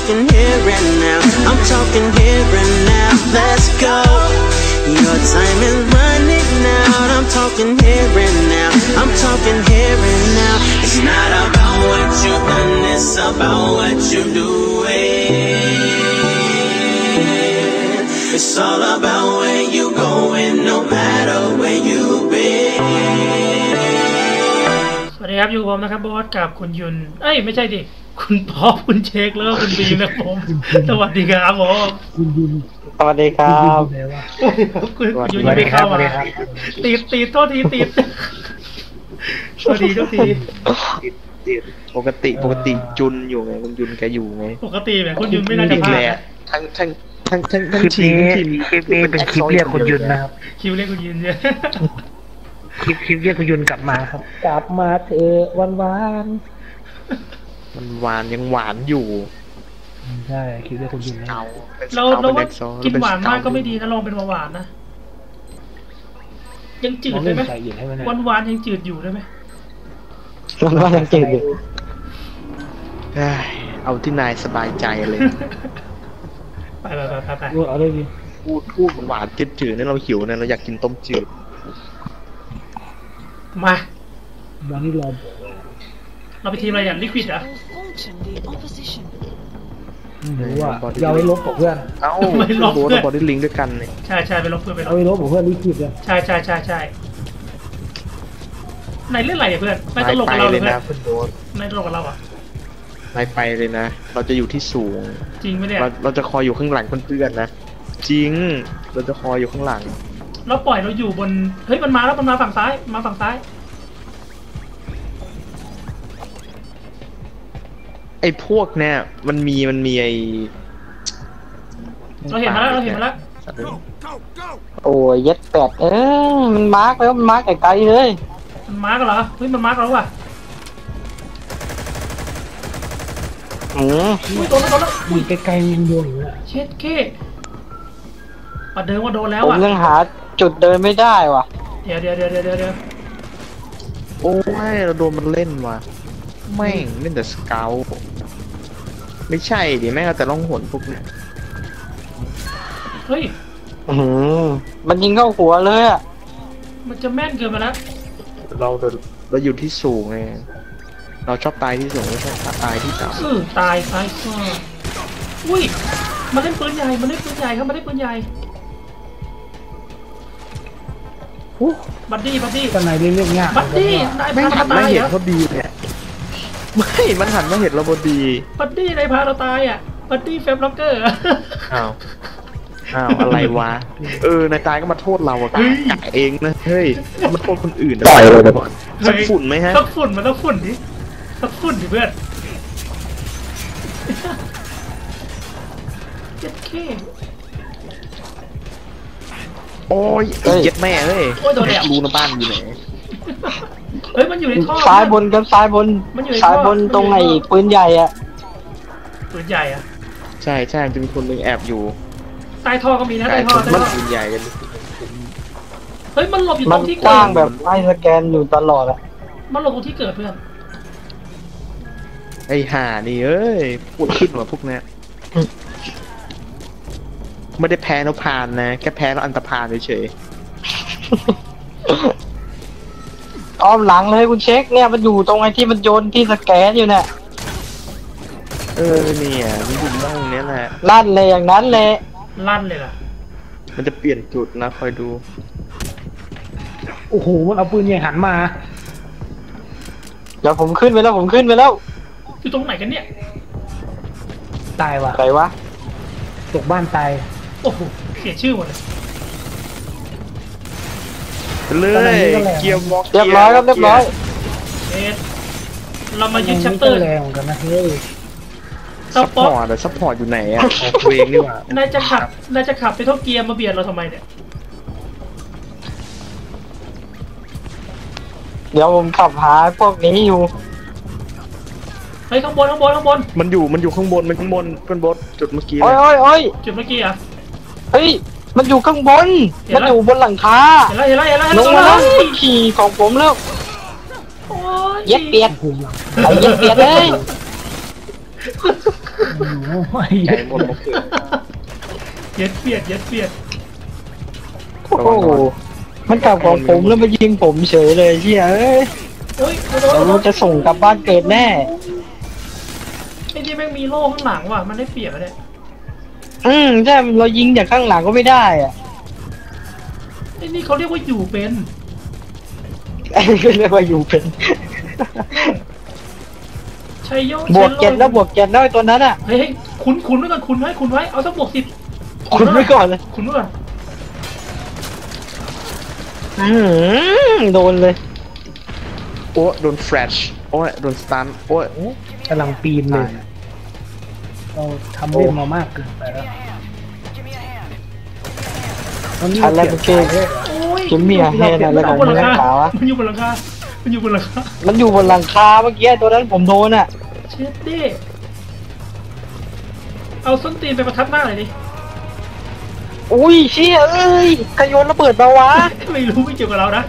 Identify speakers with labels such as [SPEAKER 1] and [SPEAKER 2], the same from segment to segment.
[SPEAKER 1] talking here and now. I'm talking here and now. Let's go. Your time is running out. I'm talking here and now. I'm talking here and now. It's not about what you've done, it's about what you're doing. It's all about where you going, no matter where you've been.
[SPEAKER 2] สวัสดีครับอยู่ผมนะครับบอสกับคุณยุนไม่ใช่ดิคุณป๊อปคุณเช็คแล้วคุณบีมนะผมสวัสดีครับผม
[SPEAKER 3] คุณยุน
[SPEAKER 4] สวัสดีครับ
[SPEAKER 2] คุณยุนยังไม่เข้ามาติดโทษทีติดสวัสดีทุกที
[SPEAKER 3] ติดปกติจุนอยู่ไงคุณยุนแกอยู่ไง
[SPEAKER 2] ปกติแบบคุณยุนไม่น่าจะพลาด
[SPEAKER 3] ทั้งทีคลิปนี้เป็นคลิปเรียกคุณยุนนะครับ
[SPEAKER 2] คลิปเรียกคุณยุนเนี่ย
[SPEAKER 3] คลิปเรียกคุณยุนกลับมาครับ
[SPEAKER 4] กลับมาเถอะหวาน
[SPEAKER 3] ยังหวานอยู่
[SPEAKER 4] ใช่คลิปเรียกคุณยุน
[SPEAKER 2] เราว่ากินหวานมากก็ไม่ดีนะลองเป็นหวานนะยังจืดได้ไหมหวานยังจืดอยู่ได้ไหม
[SPEAKER 4] หวานยังจืดอยู่
[SPEAKER 3] เอาที่นายสบายใจเลย
[SPEAKER 2] ไป
[SPEAKER 4] เอาเลยดิ
[SPEAKER 3] พูดหวานจืดเนี่ยเราหิวเนี่ยเราอยากกินต้มจืด
[SPEAKER 2] มา
[SPEAKER 4] วันนี้
[SPEAKER 2] เราไปทีมอะไรอย่างลิควิดเหรอ
[SPEAKER 4] หรือว่าเราไปลบกับเพื่อน
[SPEAKER 3] ไม่ลบเพื่อนบอดี้ลิงด้วยกันเนี่ย
[SPEAKER 2] ใช่ไปลบเพื่อน
[SPEAKER 4] เอาไปลบกับเพื่อนลิควิดเลย
[SPEAKER 2] ใช่นายเล่นอะไรเพื่อนนายตลกกับเราเลยนะนายตลกกับเราอ่ะ
[SPEAKER 3] นายไปเลยนะเราจะอยู่ที่สูง
[SPEAKER 2] จริงไหมเนี่ย
[SPEAKER 3] เราจะคอยอยู่ข้างหลังเพื่อนๆนะจริงเราจะคอยอยู่ข้างหลัง
[SPEAKER 2] เราปล่อยเราอยู่บนเฮ้ยมันมาแล้วมันมาฝั่งซ้าย
[SPEAKER 3] ไอ้พวกเนี่ยมันมีไอ
[SPEAKER 2] เราเห็นมาแล้ว
[SPEAKER 4] โอ้ยยัดแปดมันมาร์กแล้วมันมาร์กไกลๆเลย
[SPEAKER 2] มันมาร์กเหรอเฮ้ยมันมาร์กแล้วว่ะโดนแล้ว
[SPEAKER 4] อุ้ยไกลๆมันโดน
[SPEAKER 2] เช็ดเก้ปัดเดินว่าโดนแล้ว
[SPEAKER 4] อ่ะผมยังหาจุดเดินไม่ได้ว่ะ
[SPEAKER 2] เดี๋ยว
[SPEAKER 3] โอ้ยเราโดนมันเล่นว่ะแม่งเล่นแต่สเกลไม่ใช่ดิแม่งแต่ล่องหนพวกนี้
[SPEAKER 2] เฮ้ย
[SPEAKER 4] มันยิงเข้าหัวเลยอ่ะ
[SPEAKER 2] มันจะแม่นเกินไปแล้ว
[SPEAKER 3] เราอยู่ที่สูงไงเราชอบตายที่สูงไม่ชอบตายที่ต่
[SPEAKER 2] ำตายก็อุ้ยมันเล่นปืนใหญ่ครับมันเล่นปืนใหญ่บัดดี้
[SPEAKER 4] ตอนไหนเรื่องยาก
[SPEAKER 2] บัดดี้นายพาเราตาย
[SPEAKER 3] เหรอพอดีเนี่ยไม่มันหันมาเห็นเราพอดี
[SPEAKER 2] บัดดี้นายพาเราตายอ่ะบัดดี้เฟมล็อกเกอร์
[SPEAKER 3] อ้าวอะไรวะนายตายก็มาโทษเราอะกะเองนะเฮ้ยมาโทษคนอื่น
[SPEAKER 4] ต่อยเลย
[SPEAKER 3] สักฝุ่นไหมฮะ
[SPEAKER 2] สักฝุ่นมันต้องฝุ่นดิสักฝุ่นดิเพื่อนเจ็ดเค
[SPEAKER 3] โอ้ยเย็ดแม่เฮ้ยรู้นะบ้านอยู่ไหน
[SPEAKER 2] เฮ้ยมันอยู่ในท่อ
[SPEAKER 4] ซ้ายบนครับซ้ายบนตรงไหนปืนใหญ่อะ
[SPEAKER 3] ใช่จะมีคนนึงแอบอยู่
[SPEAKER 2] ใต้ท่อก็มีนะใต้ท่อ
[SPEAKER 3] มันปืนใหญ่กัน
[SPEAKER 2] เฮ้ยมันหลบอยู่ตรงที่
[SPEAKER 4] กว้างแบบไอ้สแกนอยู่ตลอดอะ
[SPEAKER 2] มันหลบตรงที่เกิดเพื่อน
[SPEAKER 3] ไอ้ห่านี่เอ้ยพูดขึ้นว่าพวกนี้ไม่ได้แพ้แล้วผ่านนะแค่แพ้แล้วอันตรพานเฉย
[SPEAKER 4] อ้อมหลังเลยคุณเช็คเนี่ยมันอยู่ตรงไอ้ที่มันโยนที่สแกนอยู่เนี่ย
[SPEAKER 3] เนี่ยมันอยู่ตรงนี้แหละ
[SPEAKER 4] ลั่นเลยอย่างนั้นเลย
[SPEAKER 2] ลั่นเลยล่ะ
[SPEAKER 3] มันจะเปลี่ยนจุดนะคอยดู
[SPEAKER 4] โอ้โหมันเอาปืนใหญ่หันมาเดี๋ยวผมขึ้นไปแล้ว
[SPEAKER 2] อยู่ตรงไหนกันเนี่ย
[SPEAKER 4] ตายว่ะใครวะตกบ้านตาย
[SPEAKER 2] โอ้โหเสียชื่อหมดเลย
[SPEAKER 3] เกียร์วอล์ก
[SPEAKER 4] เรียบร้อย
[SPEAKER 2] เรามายึดชัปเตอร์
[SPEAKER 4] แรงกันนะเฮ้ย
[SPEAKER 3] ซัพพอร์ตอยู่ไหนอ่ะเวงนี่หว่าน
[SPEAKER 2] ายจะขับไปท่อเกียร์มาเบียดเราทำไมเนี่ย
[SPEAKER 4] เดี๋ยวผมขับหาพวกนี้อยู่
[SPEAKER 2] เฮ้ยข้างบน
[SPEAKER 3] มันอยู่ข้างบนเป็นบดจุดเมื่อกี้
[SPEAKER 4] โอ้ย
[SPEAKER 2] จุดเมื่อกี้อ่ะ
[SPEAKER 4] เฮ้ยมันอยู่ข้างบนมันอยู่บนหลังคา
[SPEAKER 2] เห็นแล้ว
[SPEAKER 4] ลงมาแล้วขี่ของผมแล้วเย็ดเปียดไอ้เย็ดเปียดเลย
[SPEAKER 5] โอ้ย
[SPEAKER 3] ไก่หมดมะเขือ
[SPEAKER 2] เย็ดเปียดเย็ดเปียด
[SPEAKER 4] โอ้โหมันกลับของผมแล้วมายิงผมเฉยเลยเชี่ยเอ้ย
[SPEAKER 2] โอ้ย
[SPEAKER 4] เราจะส่งกลับบ้านเกิดแน่
[SPEAKER 2] ไอ้ที่แม่งมีโล่ข้างหลังว่ะมันได้เปรียบอะเนี่ย
[SPEAKER 4] ใช่เรายิงจากข้างหลังก็ไม่ได้อ่ะ
[SPEAKER 2] ไอ้นี่เขาเรียกว่าอยู่เป็น
[SPEAKER 4] เรียกว่าอยู่เป็น
[SPEAKER 2] ชัยโย
[SPEAKER 4] บวกเจ็ดแล้วบวกเจ็ดแล้วไอ้ตัวนั้นอ่ะ
[SPEAKER 2] เฮ้ยคุณไว้ก่อนคุณไว้คุณไว้เอาสักบวก10
[SPEAKER 4] คุณไว้ก่อนเลย
[SPEAKER 2] คุณไว้ก่อน
[SPEAKER 4] โดนเลย
[SPEAKER 3] โอ้โดนแฟลชโอ้ยโดนสตันโอ้ย
[SPEAKER 5] กำลังปีนเลยเราทำเล่นมามากเกินไปแล้วตอนนี้
[SPEAKER 4] อะไรเมื่อกี้
[SPEAKER 2] โอ้ย
[SPEAKER 4] จิมมี่แฮนอะไรของมึงนักหนาวะ
[SPEAKER 2] มันอยู่บนหลังคามันอยู่บนหลังคา
[SPEAKER 4] มันอยู่บนหลังคาเมื่อกี้ตัวนั้นผมโดนอ่ะ
[SPEAKER 2] เช็ดดิเอาส้นตีนไปประทับหน้าหน่อยดิ
[SPEAKER 4] อุ้ยเชี่ยเอ้ยขยนระเบิดมาวะ
[SPEAKER 2] ไม่รู้ไม่เกี่ยวกับเรานะ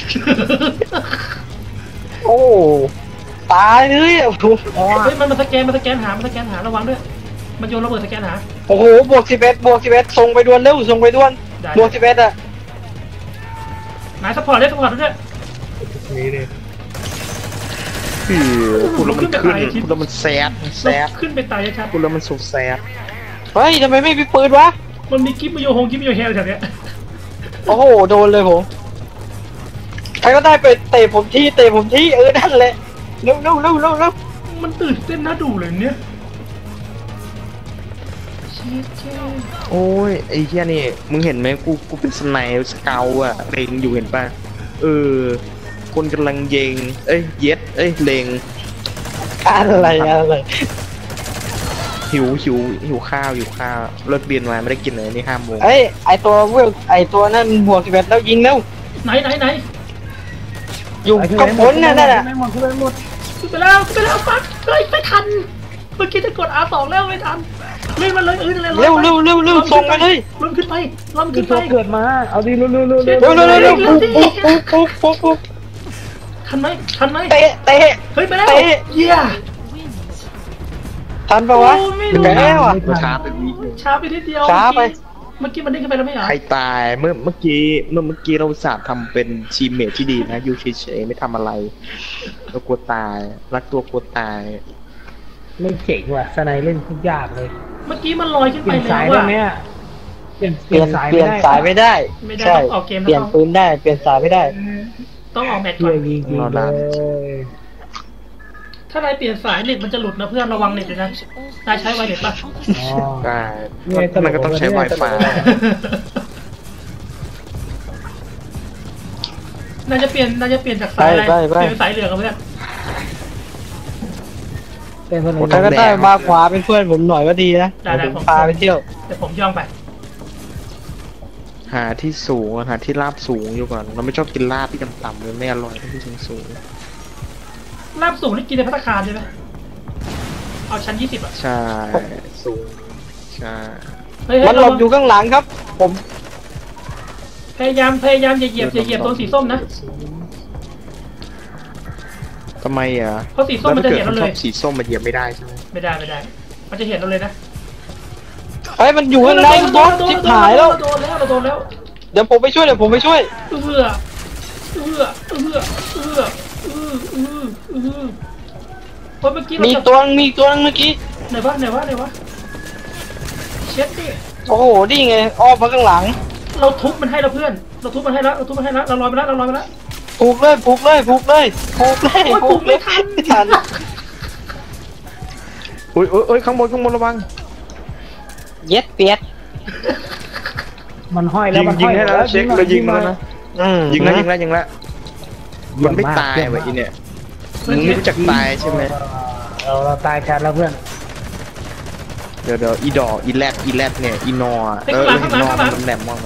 [SPEAKER 4] โอ้ตายเลยอ่ะ
[SPEAKER 2] เฮ้ยมันสแกนหาระวังด้วยมันโยนระเบิดสแกนหา
[SPEAKER 4] โอ้โหบวก11ส่งไปด่วนเร็วส่งไปด่วน
[SPEAKER 2] ได้
[SPEAKER 4] บวก11อ่ะ
[SPEAKER 2] นายซัพพอร์ตด้วย
[SPEAKER 5] นี่เลย
[SPEAKER 3] คือพูดแล้วมันขึ้นพูดแล้วมันแซดแซด
[SPEAKER 2] ขึ้นไปตายชัด
[SPEAKER 3] พูดแล้วมันสุดแซด
[SPEAKER 4] เฮ้ยทำไมไม่มีปืนวะ
[SPEAKER 2] มันมีกิฟต์มาโยกิฟต์มาโยเฮลแถวเนี้ย
[SPEAKER 4] โอ้โหโดนเลยผมใครก็ได้ไปเตะผมที่นั่นแหละเร็ว
[SPEAKER 2] มันตื่นเต้นน่าดูเลยเนี่ยเชี่ย
[SPEAKER 3] โอ้ยไอ้เหี้ยนี่มึงเห็นไหมกูเป็นสไนป์สเกลอะเล็งอยู่เห็นป่ะคนกำลังเยงเย็ดเล็ง
[SPEAKER 4] อะไร
[SPEAKER 3] หิวข้าวเลิกเรียนมาไม่ได้กินเลยนี่5 โมง
[SPEAKER 4] เอ้ยไอตัวนั่นบวก11แล้วยิงเร็ว
[SPEAKER 2] ไหน
[SPEAKER 4] อยู่กับผลนั่นน่ะ
[SPEAKER 5] ไม่หมดไม่หมด
[SPEAKER 2] ขึ้นไปแล้วปั๊บเฮ้ยไม่ทันเมื่อกี้จะกด R2 แล้วไม่ทันเล่นมันเลยนั่นแหละ
[SPEAKER 4] เร็วส่งไปเลย
[SPEAKER 2] ล้มขึ้นไป
[SPEAKER 5] คือตัวเกิดมาเอาดิเร็ว
[SPEAKER 4] เร็วปุ๊บ
[SPEAKER 2] ทันไหม
[SPEAKER 4] เตะ
[SPEAKER 2] เฮ้ยไปแล้ว
[SPEAKER 4] เตะ
[SPEAKER 2] เยี่ย
[SPEAKER 4] ทันปะวะ
[SPEAKER 2] โอ้ไม่รู้
[SPEAKER 4] แพ้ว่ะ
[SPEAKER 3] ช้าไปวิ
[SPEAKER 2] ช้าไปนิดเดียว
[SPEAKER 4] ช้าไป
[SPEAKER 2] เมื่อกี้มันเด้งขึ้นไปแล้วไม่เหรอ
[SPEAKER 3] ใครตายเมื่อกี้เราสาห์ทำเป็นทีมเมทที่ดีนะอยู่เฉยๆไม่ทำอะไรเรากลัวตายรักตัวกลัวตาย
[SPEAKER 5] ไม่เจ๋งว่ะสไนเล่นทุกอย่างเลย
[SPEAKER 2] เมื่อกี้มันลอยขึ้น
[SPEAKER 5] เป
[SPEAKER 2] ไป
[SPEAKER 5] ลี่ยน
[SPEAKER 2] แล้
[SPEAKER 5] สายว ได้
[SPEAKER 2] อะ
[SPEAKER 5] ไหมอ่ะเปลี่ยน
[SPEAKER 4] เปลี่ยน
[SPEAKER 5] สาย
[SPEAKER 4] สายไม่ได้
[SPEAKER 2] ไม่ได้
[SPEAKER 4] ใช่
[SPEAKER 2] ต้องออกเกม
[SPEAKER 4] เปลี่ยน
[SPEAKER 2] แล้ว
[SPEAKER 4] ปืนได้เปลี่ยนสายไม่ได้
[SPEAKER 2] ต้องออกแมตช์ก่
[SPEAKER 5] เชื่
[SPEAKER 2] อ
[SPEAKER 5] อน ยิงเลย
[SPEAKER 2] ถ้านายเปลี่ยนสายเน็ตมันจะหลุดนะเพื่อนระวังเน็ตเลยนะนายใช้ไวเน็ตป่ะ
[SPEAKER 5] อ๋อ
[SPEAKER 3] ได้มันก็ต้องใช้ Wi-Fi
[SPEAKER 2] นายจะเปลี่ยนจากสายอะไร
[SPEAKER 4] ไป
[SPEAKER 2] เปลี่ยนเป็นสายเหลืองกับเพื่อน
[SPEAKER 5] เป็นคน
[SPEAKER 4] ใครก็ได้มาขวาเป็นเพื่อนผมหน่อยก็ดีนะ
[SPEAKER 2] ได้
[SPEAKER 4] ผม
[SPEAKER 2] ผม
[SPEAKER 4] พาไปเที่ยว
[SPEAKER 2] เดี๋ยวผมย่องไป
[SPEAKER 3] หาที่สูงหาที่ราบสูงอยู่ก่อนเราไม่ชอบกินลาบที่ต่ำๆเลยไม่อร่อยที่สูง
[SPEAKER 2] ลาบสูงนี่กินในภัตตาคารใช่ไหมเอาชั้น20อ่ะ
[SPEAKER 3] ใช่สูงใช่
[SPEAKER 2] เฮ้ย
[SPEAKER 4] มันหลบอยู่ข้างหลังครับ ผม
[SPEAKER 2] พยายามอย่าเหยียบตัวสีส้มนะ
[SPEAKER 3] ทำไมอ่ะ
[SPEAKER 2] เพราะสีส้มมันจะเห็นเราเลย
[SPEAKER 3] ชอบสีส้มมันเหยียบไม่ได้ใช่ไหม
[SPEAKER 2] ไม่ได้มันจะเห็นเราเลยนะ
[SPEAKER 4] เฮ้ยมันอยู่ข้างในบอสชิบหายแล้ว
[SPEAKER 2] เราโดนแล้ว
[SPEAKER 4] เดี๋ยวผมไปช่วย
[SPEAKER 2] เอื้อเมื่อกี้
[SPEAKER 4] มีตัวนึงเมื่อกี้
[SPEAKER 2] ไหนวะเช็ดดิ
[SPEAKER 4] โอ้โหนี่ไงอ้อมมาข้างหลัง
[SPEAKER 2] เราทุบมันให้แล้วเพื่อนเราทุบมันให้แล้วเราลอยไปแล้ว
[SPEAKER 4] ผูกเลยผูกไม่ทัน
[SPEAKER 3] อุ้ยข้างบนระวัง
[SPEAKER 4] เย็ดเปียด
[SPEAKER 5] มันห้อยแล้วมัน
[SPEAKER 3] ยิ
[SPEAKER 5] ห้
[SPEAKER 3] ง
[SPEAKER 5] อย
[SPEAKER 3] ให้แล้วเช็คเรายิงแล้วนะ ยิงแล้ว
[SPEAKER 4] นะ
[SPEAKER 3] มันไม่ตายว่ะอีเนี่ยมึงไม่รู้จักตายใช่ไหม
[SPEAKER 5] เราตายชัดแล้วเพื่อน
[SPEAKER 3] เดี๋ยวอีดอกอีแรดเนี่ยอีนอมันแหลมมากนะ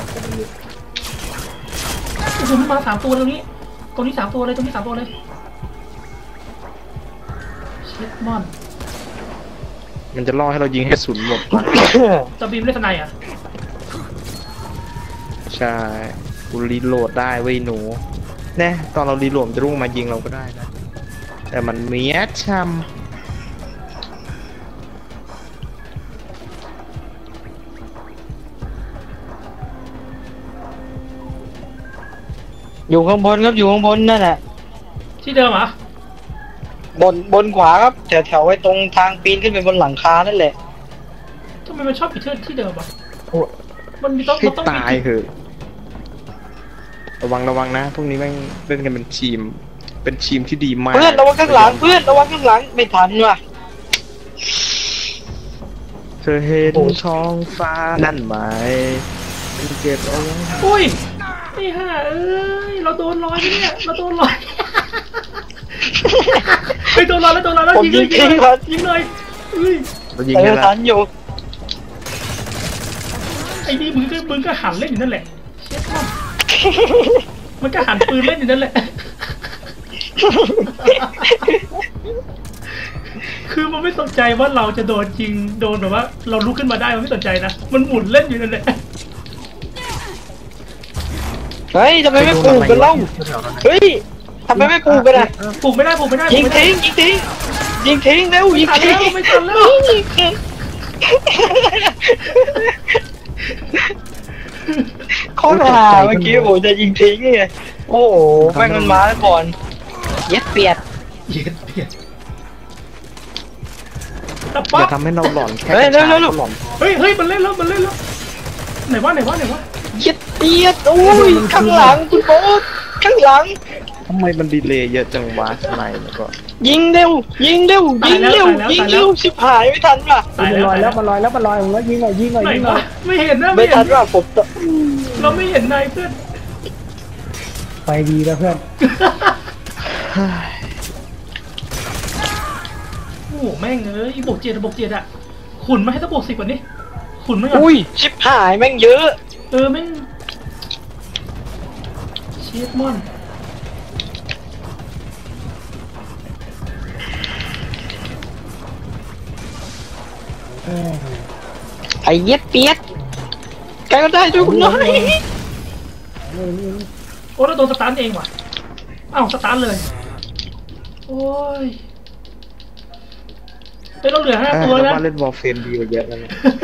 [SPEAKER 2] โอ้โหมันมา3 ตัวตรงนี้3 ตัวเลยเช็ดมอน
[SPEAKER 3] มันจะล่อให้เรายิงให้ศูนย์หมด
[SPEAKER 2] จะบีมเล่นสไนอ่ะ
[SPEAKER 3] ใช่กูรีโหลดได้เว้ยหนูแน่ตอนเรารีโหลดจะรุ่งมายิงเราก็ได้นะแต่มันเมียช
[SPEAKER 4] อยู่ข้างบนครับอยู่ข้างบนนั่นแหละ
[SPEAKER 2] ที่เดิมเหรอบ
[SPEAKER 4] นขวาครับแถวไว้ตรงทางปีนขึ้นไปบนหลังคานั่นแหละ
[SPEAKER 2] ทำไมมันชอบอยู่ที่เดิมอ่ะ
[SPEAKER 3] โอ้
[SPEAKER 2] มันมีต้อง
[SPEAKER 3] ให้
[SPEAKER 2] มันต้อง
[SPEAKER 3] ตายเถอะระวังนะพวกนี้แม่งเล่นกันเป็นทีม เป็นทีมที่ดีมาก
[SPEAKER 4] เพื่อนระวังข้างหลังเพื่อนระวังข้างหลังไม่ทันว่ะ
[SPEAKER 3] เธอเห็นท้องฟ้านั่นไหมเก็บเอาไว้
[SPEAKER 2] อุ้ยไอ้ห่าเอ้ยเราโดนลอยไปเนี่ยเราโดนลอยไปโดนลอยแล้ว
[SPEAKER 4] ผม
[SPEAKER 2] ยิง
[SPEAKER 4] ยิ
[SPEAKER 2] เลย
[SPEAKER 4] งทิ้งครับ
[SPEAKER 2] ยิงเลยอุ้ย
[SPEAKER 3] เรายิง
[SPEAKER 4] เอ
[SPEAKER 3] กั
[SPEAKER 4] อน
[SPEAKER 3] ละ
[SPEAKER 4] ทันอยู่
[SPEAKER 2] ไอ้นี่มึงก็หันเล่นอยู่นั่นแหละเชี่ยมันก็หันปืนเล่นอยู่นั่นแหละ คือมันไม่สนใจว่าเราจะโดนจริงโดนแบบว่า เราลุกขึ้นมาได้มันไม่สนใจนะมันหมุนเล่นอยู่นั่นแหละ
[SPEAKER 4] เฮ้ยทำไมไม่ปลูกกันเล่าเฮ้ยทำไมไม่ปลูกกันอ่ะ
[SPEAKER 2] ปลูกไม่ได้
[SPEAKER 4] ยิงทิ้งเร็วยิงทิ้ง
[SPEAKER 2] ไม่ทันแล้ว
[SPEAKER 4] โคตรห่าเมื่อกี้ผมจะยิงทิ้งไงโอ้โหแม่งมันมาแล้วก่อนเย็ดเปียด
[SPEAKER 2] เย็ดเปียดตะ
[SPEAKER 3] อ
[SPEAKER 2] ป๊อก
[SPEAKER 3] ย่าทำให้เราหลอนแค่
[SPEAKER 4] เฮ้ย
[SPEAKER 3] กระชาก
[SPEAKER 4] เร็ว
[SPEAKER 3] หลอน
[SPEAKER 2] เฮ้ยมันเล่นแล้วไหนวะ
[SPEAKER 4] เย็ดเปียดโอ้ยข้างหลังคุณโบ๊ทข้างหลัง
[SPEAKER 3] ทำไมมันดีเลย์เยอะจังวะทำไมแล้วก็
[SPEAKER 4] ยิงเร็วชิบหายไม่ทันว่ะ
[SPEAKER 2] ตาย
[SPEAKER 5] มัน
[SPEAKER 2] แล้ว
[SPEAKER 5] ลอยแล้วมันลอยแล้วยิงหน่อย
[SPEAKER 2] ไหน
[SPEAKER 5] ยิงหน่
[SPEAKER 2] วะ
[SPEAKER 5] อย
[SPEAKER 2] ไม่เห็นนะ
[SPEAKER 4] ไม่ทันว่ะผม
[SPEAKER 2] เราไม่เห็นนายเพื่อน
[SPEAKER 5] ไปดีแล้วเพื่อน
[SPEAKER 2] โอ้โหแม่งเอ้ยบวกเจ็ดอะขุนมาให้ถ้าบวก10กว่านี้ขุนมาก่อน
[SPEAKER 4] อุ้ยชิบหายแม่งเยอะ
[SPEAKER 2] แม่งเชียดมอน
[SPEAKER 4] ไอ้เย็ดเปียดแกก็ได้ด้วยคุณน้อย
[SPEAKER 2] โอ้เราโดนสตาร์ทเองว่ะอ้าวสตาร์ทเลยโอ้ยเราเหลือ5 ตัว
[SPEAKER 3] แล้ว
[SPEAKER 2] นะ
[SPEAKER 3] ว่าเล่นวอลเฟรมดีกว่าเยอะแล้วนะ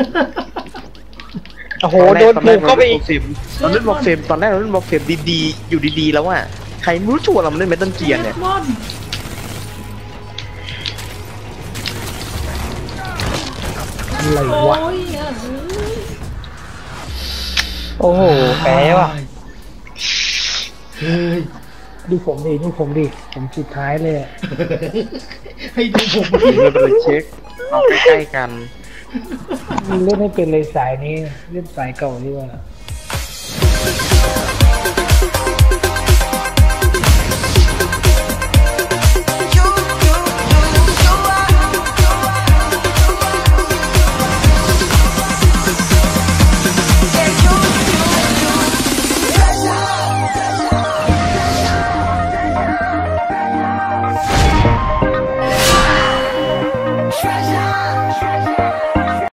[SPEAKER 4] โอ้โหโดนปลูกเข้าไปอีก
[SPEAKER 3] เราเล่นวอลเฟรมตอนแรกเราเล่นวอลเฟรมดีๆอยู่ดีๆแล้วอ่ะใครไม่รู้ชวนเรามาเล่นเมทัลเกียร์เนี่ย
[SPEAKER 2] มอน
[SPEAKER 5] อะไร
[SPEAKER 2] โอ้
[SPEAKER 5] วะ
[SPEAKER 2] ย
[SPEAKER 4] โอ้โหแพ้ว่ะ
[SPEAKER 2] เฮ้ย
[SPEAKER 5] ดูผมดิผมสุดท้ายเลยอะ
[SPEAKER 2] ให้ดูผม
[SPEAKER 3] ไม่เป็นไรเช็คเราใกล้ๆกัน
[SPEAKER 5] เล่นให้เป็นเลยสายนี้เล่นสายเก่าดีกว่า